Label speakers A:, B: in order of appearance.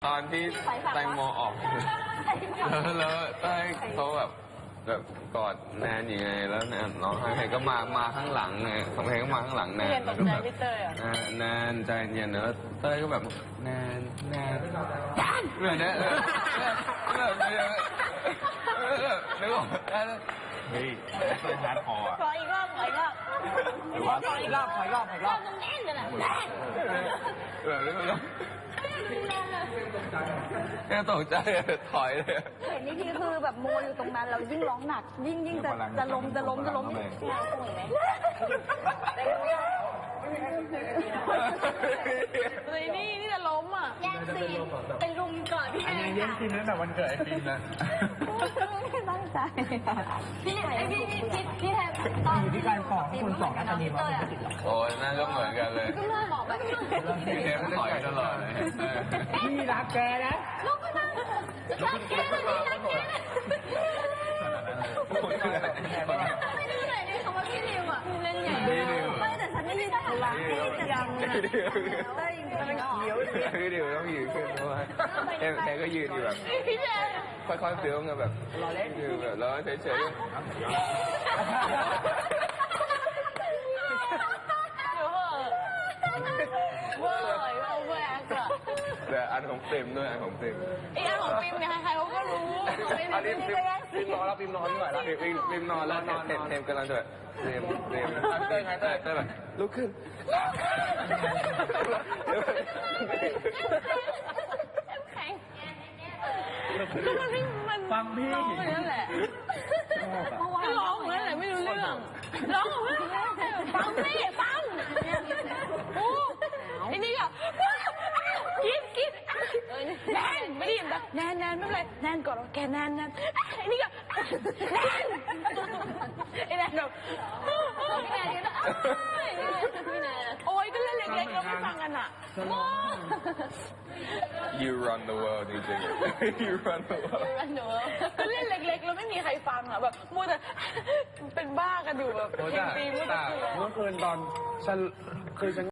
A: ตอนที่แตงโมออกแล้วเต้ยเขาแบบกอดแนนยังไงแล้วแนนร้องไห้ก็มาข้างหลังไงของเพลงก็มาข้างหลังแนนแล้วก็แบบแนนใจเย็นแล้วเต้ยก็แบบแนนเหมือนเนี่ยนึกออก
B: เฮ้ยเป็นฮาร์ดคอร์
C: ขออีกรอบ
B: หรือว่าขออีกรอบ
C: ตรงแน่นเลยนะ
A: แค่ตกใจถอยเลย
D: เห็นนี่ทีคือแบบโมอยู่ตรงนั้นเรายิ่งร้องหนักยิ่งจะล้ม
C: เลยนี่จะล้มอ่ะแย่งซีนเป็นรุมก่อนพี่แอน
B: เย็นกินตั้งแต่วันเกิดไอ้ฟิล์มนะ
D: ไม่ตั้งใจ
C: พี่แทนตอน
B: ที่การสอนคนสอนนักเรียนมาเป็นติดหรอ
A: โอ้ยนั่นก็เหมือนกันเลย
C: ก็เลยบอกแบบ
A: พี่เทมถอยตลอดเลย
B: พี่รักแกนะ
C: ลูกก็นั่งรักแกไม่ได้เลยนี่คำว่าพี่นิวอ่ะเล่นใหญ่
D: ไม่แต่ฉันไม่ได้ทำร้ายแต่ยังเต้ยมันเขียว
A: พี่ดิวต้องยืนขึ้นด้วยเอ็มก็ยืนอยู่แบบค่อยๆเฟี้ยวไงแบบยืนแบบแล้วเฉยแต่อันของเต็มด้วยอันของเต็ม
C: อีอันของฟิล์มเนี่ยใครๆเขาก็รู้
A: อันนี้ฟิล์มนอนแล้วฟิล์มนอนด้วยแล้วฟิล์มนอนแล้วเต็มกำลังจะเต็มเต้ยแบบลุกขึ้น
B: ฟังพี่
C: ร้องเหมือนนั่นแหละก็ร้องเหมือนนั่นแหละไม่รู้เรื่องร้องเหมือนฟังโอ้ไอ้นี่ก็กินแนนไม่ได้ยินแบบแนนไม่เป็นไรแนนก่อนแกแนนไอ้นี่ก็แนนไอ้แนนแบบพี่แนนก็โอ้ยก็เล่นเล็กๆเราไม่ฟังกันอ่ะ
A: You run the world จริงๆ You run the world
C: ก็เล่นเล็กๆแล้วไม่มีใครฟังอ่ะแบบมัวแต่เป็นบ้ากันอยู่แบบเพลงตีมัวแต่
B: เมื่อคืนตอนฉัน